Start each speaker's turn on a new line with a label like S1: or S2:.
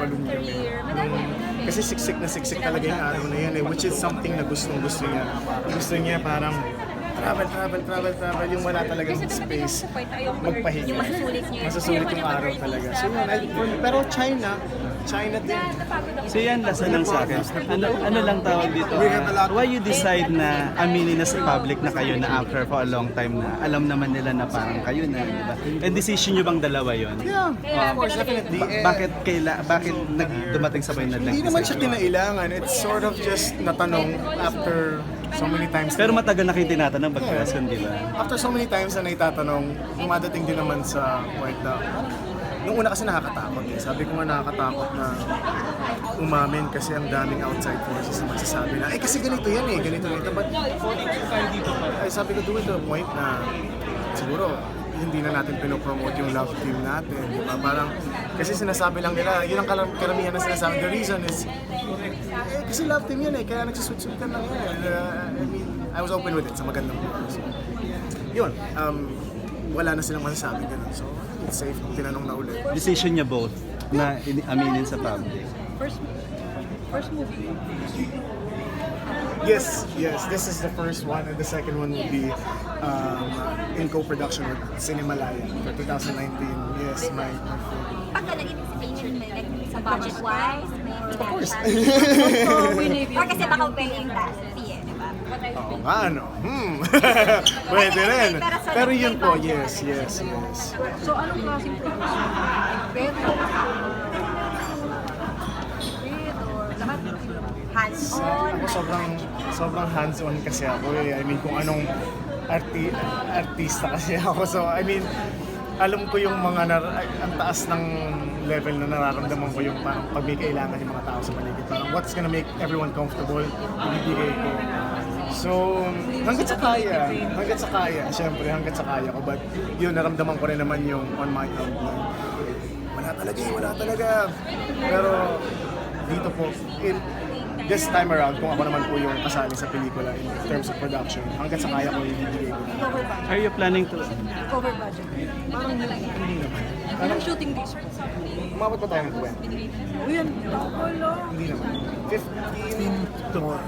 S1: niya. Kasi siksik na siksik talaga yung araw na yan which is something na gusto niya. Gusto niya parang travel, yung wala talagang space, magpahinga.
S2: Yung masusulit niya.
S1: Masusulit yung araw talaga. So yun, pero China din.
S3: So yan, lasan lang sa akin. Ano lang tawag dito? Why you decide na aminin na sa public na kayo na after for a long time na alam naman nila na parang kayo na, di ba? And decision nyo bang dalawa yon?
S1: Yeah, of course, definitely.
S3: Bakit dumating sabay na
S1: Hindi naman siya kinailangan. It's sort of just natanong after so many times.
S3: Pero matagal na kayo tinatanong pag-question, di ba?
S1: After so many times na naitatanong, dumadating din naman sa point na nung una kasi nakakatakot eh. Sabi ko nga nakakatakot na umamin kasi ang daming outside forces na magsasabi na kasi ganito yan eh, ganito. But ay, sabi ko, do it to a point na siguro hindi na natin pinopromote yung love team natin, di ba? Parang, kasi sinasabi lang nila, yun ang karamihan na sinasabi. The reason is, kasi love team yan eh, kaya nagsuswitch-switch lang yan. I mean, I was open with it sa magandang buhay. So, yun, wala na silang masasabi ganun. So, it's safe kung tinanong na ulit.
S3: Decision niya both na aminin sa public.
S2: First movie.
S1: Yes, this is the first one, and the second one will be in co-production with Cinemalaya for 2019. Yes, my film.
S2: Pagka nag-anticipation mo, like sa budget-wise,
S1: Of course.
S2: or kasi baka paying task fee eh, di ba?
S1: Oo nga, ano? Pwede rin. Pero yun po, yes.
S4: So anong klaseng production? Beto? Or lahat?
S2: Hands-on.
S1: Ako sobrang hands-on kasi ako eh. I mean, kung anong artista kasi ako. So, I mean, alam ko yung mga ang taas ng level na nararamdaman ko yung parang pag may kailangan yung mga tao sa paligid. Parang what's gonna make everyone comfortable, ibibigay ko. So, hanggat sa kaya, syempre hanggat sa kaya ko. But yun, naramdaman ko rin naman yung on my end na wala talaga. Pero dito po, this time around, kung ako naman po yung kasali sa pelikula in terms of production, hanggat sa kaya ko ibibigay ko.
S3: Are you planning to...
S4: Over budget?
S1: Parang hindi naman.
S4: Anong shooting days?
S1: Umabot pa tayo ng 20.
S4: Uy, ang tagal lang.
S1: Hindi naman. 15 to